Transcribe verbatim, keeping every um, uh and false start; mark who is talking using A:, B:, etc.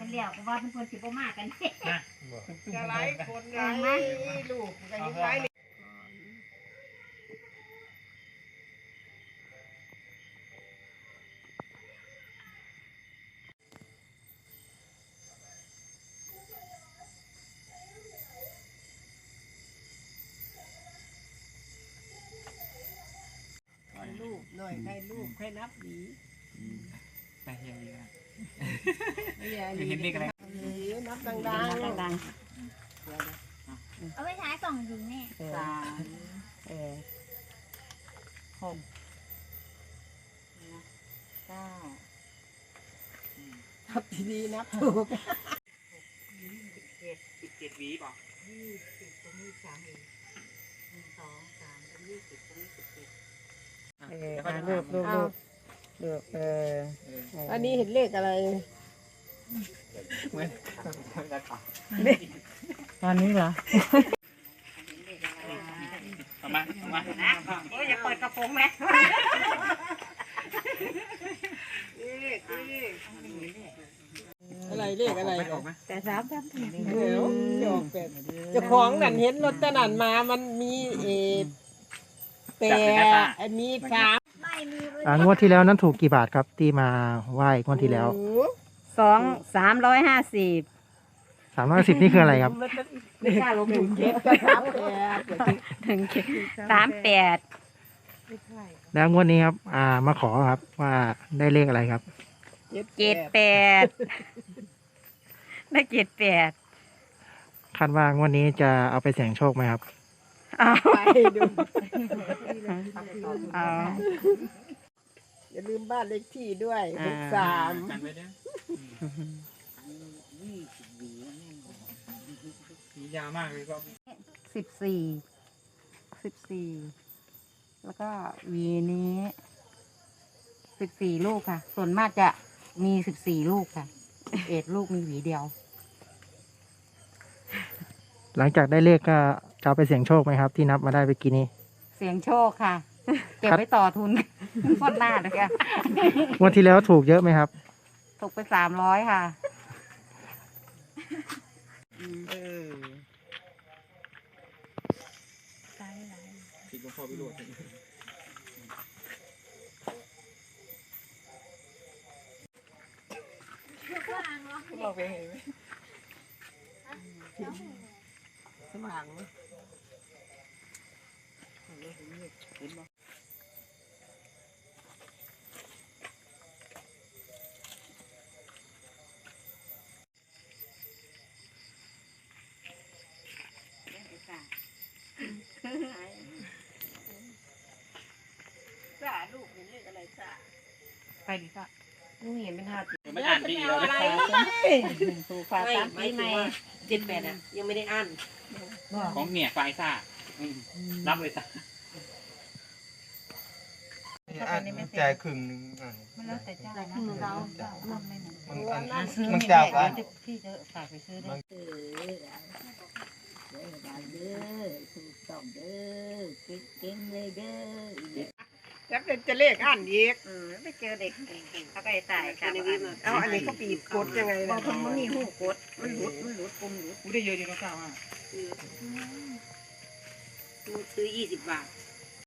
A: เลี้ยวก็ว่าเป็นคนสิบมากกัน
B: จะไล่คนไล่ลูกจะยิ่งไล่ลูกหน่อยใครลูกใครนับดี
C: แต่เฮียดีนะ
B: เห็นเลขอะไรนับดังๆดัง
A: เอาไปใช้ส่องดูแม่
B: สามเออหกเก้านับดีๆนับถูก
C: สิบเจ็ดวีป่ะ
B: ยี่สิบตรงนี้สามอีกหนึ่งสองสามตรงนี้สิบตรงนี้สิบเจ็ดเออลูกลูกลูกลูกเอออันนี้เห็นเลขอะไร
C: เหมือน
B: ตอนนี้เหรอ
C: เอามาเอามา
A: โอ้ยอย่าเปิดกระโปรงไหม
B: อะไรเลขอะไร
C: ออกไหม
A: แต่สามครับ
B: เดี๋ยวจอกเป็ดเจ้าของนั่นเห็นรถตะนันมามันมีเอแต่อันนี้สาม
D: อ่างวดที่แล้วนั้นถูกกี่บาทครับที่มาไหว้งวดที่แล้ว
A: สองสามร้อยห้าสิบ
D: สามร้อยสิบนี่คืออะไรครับ
B: ไม่กล้าลงถึงเจ็ดก็สามแปด
A: ถึงสามแปด
D: แล้วงวดนี้ครับอ่ามาขอครับว่าได้เลขอะไรครับ
A: เจ็ดแปดได้เจ็ดแปด
D: คาดว่างวดนี้จะเอาไปเสี่ยงโชคไหมครับ
A: เอา
B: ไปดู
A: เอา
B: อย่าลืมบ้านเลขที่ด้วยหกสาม
C: กันไว้เนี่ยสียาวมากเลยก็
A: สิบสี่สิบสี่แล้วก็วีนี้สิบสี่ลูกค่ะส่วนมากจะมีสิบสี่ลูกค่ะเอ็ดลูกมีหวีเดียว
D: หลังจากได้เลขก็จะเอาไปเสี่ยงโชคไหมครับที่นับมาได้ไปกี่นี้
A: เสี่ยงโชคค่ะเก็บไว้ต่อทุนฟอดหน้าเลยค่ะ
D: งวดที่แล้วถูกเยอะไหมครับ
A: ถูกไปสามร้อยค่ะ
B: เออ
C: ติดกับพ่อพิโรธ
B: บอกไปเห็นไหมสมางไหมเห็นไหมจ้าลูกเห็นเลขอะไรจ้าไปดิจ้าลูกเห็นเป็นห้า
C: ไม่อ่านดีแล้ว
B: อะไรถูกฟ้าตามปีใหม่เจ็ดแปดอ่ะยังไม่ได้อ่าน
C: ของเนี่ยไฟซ่ารับเลยจ้ะ
E: อ่านมันจ่ายครึ่งนึงอ่าน
A: มันแล้วแต่เจ้านะเรามันไม่เหมือน
E: มันอันมันจ่ายกัน
A: พี่จะฝากไปซื้อได้เออเด้อเด้อถูกต้องเด้อเก่งเลยเด้อ
B: แล้วเป็นจะเลขอ่านอีก
A: เออไปเจอเด็กเขาก็จะตายครับ
B: เอาอันนี้ก็ปีบกดยังไงล่ะ
A: มันมันมีหูกดมันหลุดมันหลุดปุ่มหลุด
C: กูได้เยอะจริงๆเก้าอ่ะ
A: ซื้อยี่สิบบาท